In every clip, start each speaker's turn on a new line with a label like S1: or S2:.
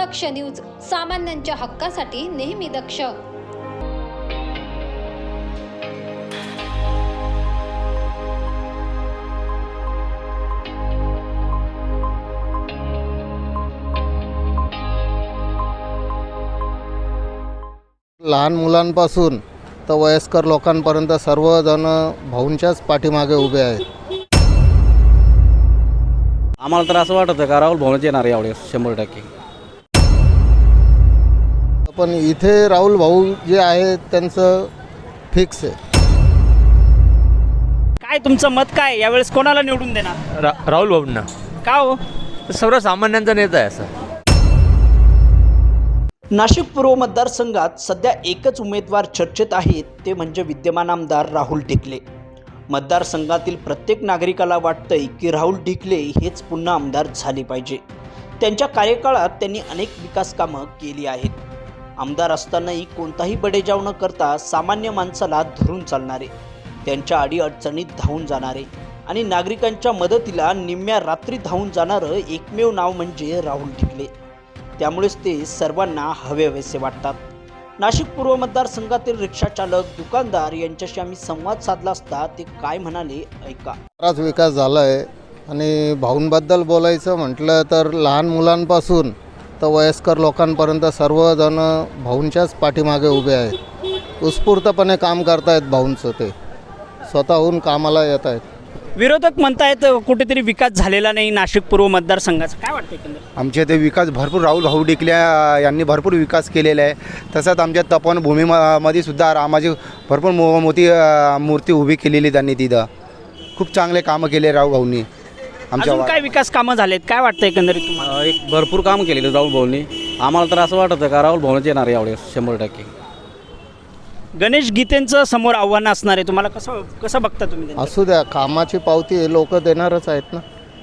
S1: दक्ष news, सामान्यांच्या हक्कासाठी नेहमी दक्ष.
S2: लहान मुलांपासून तर वयस्कर लोकांपर्यंत सर्वजण भाऊंच्याच पाठीमागे उभे आहेत.
S3: आम्हाला तर असं वाटतं का राहुल भाऊच येणार यावेळेस 100%.
S2: पण इथे राहुल भाऊ जे आहे त्यांचं फिक्स आहे.
S4: काय तुमचं मत काय, यावेळेस कोणाला निवडून देणार?
S5: राहुल भाऊंना.
S4: का हो?
S5: सर्वसामान्यांचा नेता आहे असं.
S6: नाशिक पूर्व मतदारसंघात सध्या एकच उमेदवार चर्चेत आहेत, ते म्हणजे विद्यमान आमदार राहुल ढिकले. मतदारसंघातील प्रत्येक नागरिकाला वाटतंय की राहुल ढिकले हेच पुन्हा आमदार झाले पाहिजे. त्यांच्या कार्यकाळात त्यांनी अनेक विकास कामं केली आहेत. आमदार असतानाही कोणताही बडेजाव न करता सामान्य माणसाला धरून चालणारे, त्यांच्या अडीअडचणीत धावून जाणारे आणि नागरिकांच्या मदतीला निम्म्या रात्री धावून जाणारं एकमेव नाव म्हणजे राहुल ढिकले. त्यामुळेच ते सर्वांना हवेहवेसे वाटतात. नाशिक पूर्व मतदारसंघातील रिक्षाचालक, दुकानदार यांच्याशी आम्ही संवाद साधला असता ते काय म्हणाले ऐका.
S2: बराच विकास झाला आहे आणि भाऊंबद्दल बोलायचं म्हटलं तर लहान मुलांपासून तर वयस्कर लोकांपर्यंत सर्वजण भाऊंच्याच पाठीमागे उभे आहेत. उत्स्फूर्तपणे काम करतायत. भाऊंचं ते स्वतःहून कामाला येत आहेत.
S4: विरोधक म्हणतायत कुठेतरी विकास झालेला नाही नाशिक पूर्व मतदारसंघाचा. काय वाटतं एकंदरीत?
S7: आमच्या ते विकास भरपूर राहुल भाऊ ढिकले यांनी भरपूर विकास केलेला आहे. तसंच आमच्या तपोवनभूमीमध्ये सुद्धा रामाची भरपूर मोठी मूर्ती उभी केलेली त्यांनी. तिथं खूप चांगले कामं केले राहुल भाऊंनी.
S4: अजून काय विकास कामं झालेत, काय वाटतं एकंदरीत तुम्हाला?
S3: एक भरपूर काम केलेलं राहुल भाऊंनी. आम्हाला तर असं वाटतं का राहुल भाऊच येणार यावेळेस 100%.
S4: गणेश गीतेंचं समोर आव्हान असणार आहे, तुम्हाला कसं बघता तुम्ही त्यांचं?
S2: असू द्या, कामाची पावती लोक देणारच आहेत ना.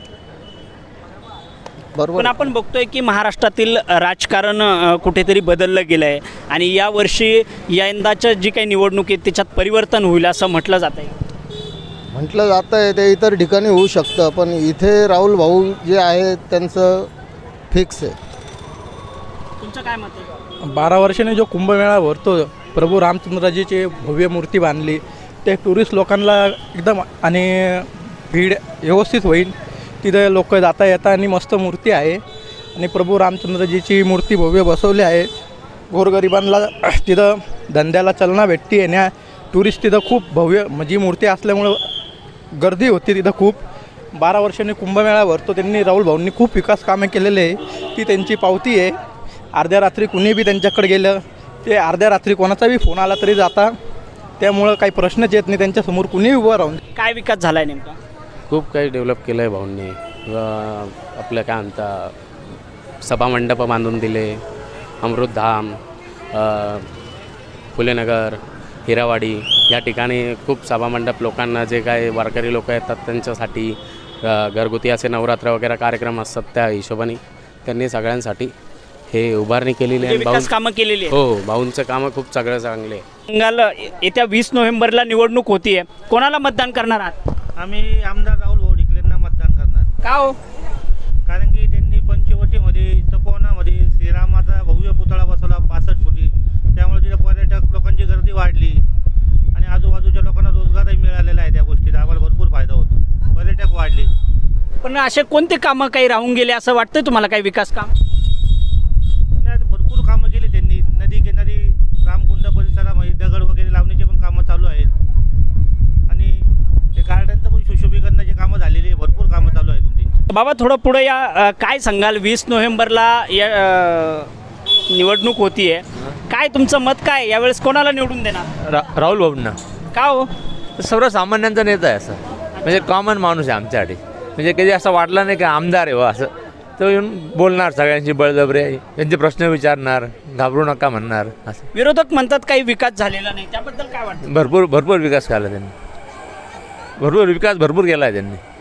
S2: बरोबर.
S4: पण आपण बघतोय की महाराष्ट्रातील राजकारण कुठेतरी बदललं गेलं आहे आणि यावर्षी यंदाच्या जी काही निवडणूक आहे त्याच्यात परिवर्तन होईल असं म्हटलं जात आहे.
S2: म्हटलं जातं आहे ते इतर ठिकाणी होऊ शकतं, पण इथे राहुल भाऊ जे आहे त्यांचं फिक्स आहे.
S4: तुमचं काय मत आहे?
S8: 12 वर्षाने जो कुंभमेळा भरतो, प्रभू रामचंद्रजीची भव्य मूर्ती बांधली, ते टुरिस्ट लोकांना एकदम आणि भीड व्यवस्थित होईल. तिथं लोक जाता येता आणि मस्त मूर्ती आहे आणि प्रभू रामचंद्रजीची मूर्ती भव्य बसवली आहे. गोरगरिबांना तिथं धंद्याला चालना भेटते आणि टुरिस्ट तिथं खूप भव्य म्हणजे मूर्ती असल्यामुळं गर्दी होती तिथं खूप. 12 वर्षांनी कुंभमेळा भरतो, त्यांनी राहुल भाऊंनी खूप विकास कामे केलेले आहे. ती त्यांची पावती आहे. अर्ध्या रात्री कुणी बी त्यांच्याकडे गेलं, ते अर्ध्या रात्री कोणाचा बी फोन आला तरी जाता. त्यामुळं काही प्रश्नच येत नाही त्यांच्यासमोर कुणीही उभं राहून.
S4: काय विकास झाला आहे नेमका?
S3: खूप काही डेव्हलप केलं आहे भाऊंनी. आपलं काय म्हणता, सभामंडप बांधून दिले, अमृतधाम, फुलेनगर, हिरावाडी या ठिकाणी खूप सभामंडप लोकांना, जे काय वारकरी लोक येतात त्यांच्यासाठी घरगुती असे नवरात्र वगैरे कार्यक्रम असतात, त्या हिशोबाने त्यांनी सगळ्यांसाठी हे उभारणी केलेली आहे.
S4: विकास कामं केलेली आहे.
S3: हो, भाऊंचं कामं खूप सगळं चांगले.
S4: बंगाल येत्या 20 नोव्हेंबरला निवडणूक होतीये, कोणाला मतदान करणार आहात?
S9: आम्ही आमदार राहुल भाऊ ढिकलेंना मतदान करणार.
S4: का हो?
S9: कारण की त्यांनी पंचवटीमध्ये, तपोवनामध्ये श्रीरामाचा भव्य पुतळा बसवला 65 फुटी. त्यामुळे तिथे पर्यटक लोकांची गर्दी वाढली आणि आजूबाजूच्या लोकांना रोजगारही मिळालेला आहे. त्या गोष्टीचा आम्हाला भरपूर फायदा होतो, पर्यटक वाढले.
S4: पण असे कोणते कामं काही राहून गेले असं वाटतं तुम्हाला? काही विकास काम
S9: भरपूर कामं केली त्यांनी. नदी किनारी रामकुंड परिसरामध्ये दगड वगैरे लावण्याचे पण कामं चालू आहेत आणि ते गार्डनचं पण सुशोभीकरणाची कामं झालेली आहे. भरपूर कामं चालू आहेत त्यांची.
S4: बाबा थोडं पुढे या, काय सांगाल? 20 नोव्हेंबरला या निवडणूक होतीये, काय तुमचं मत काय, यावेळेस कोणाला निवडून देणार?
S5: राहुल भाऊंना.
S4: का हो?
S5: सर्वसामान्यांचा नेता आहे असं. म्हणजे कॉमन माणूस आहे आमच्यासाठी. म्हणजे कधी असं वाटलं नाही की आमदार आहे व असं. तो येऊन बोलणार सगळ्यांशी बळजबरी, त्यांचे प्रश्न विचारणार, घाबरू नका म्हणणार असं.
S4: विरोधक म्हणतात काही विकास झालेला नाही, त्याबद्दल काय वाटतं?
S5: भरपूर विकास केला त्यांनी. भरपूर केला आहे त्यांनी.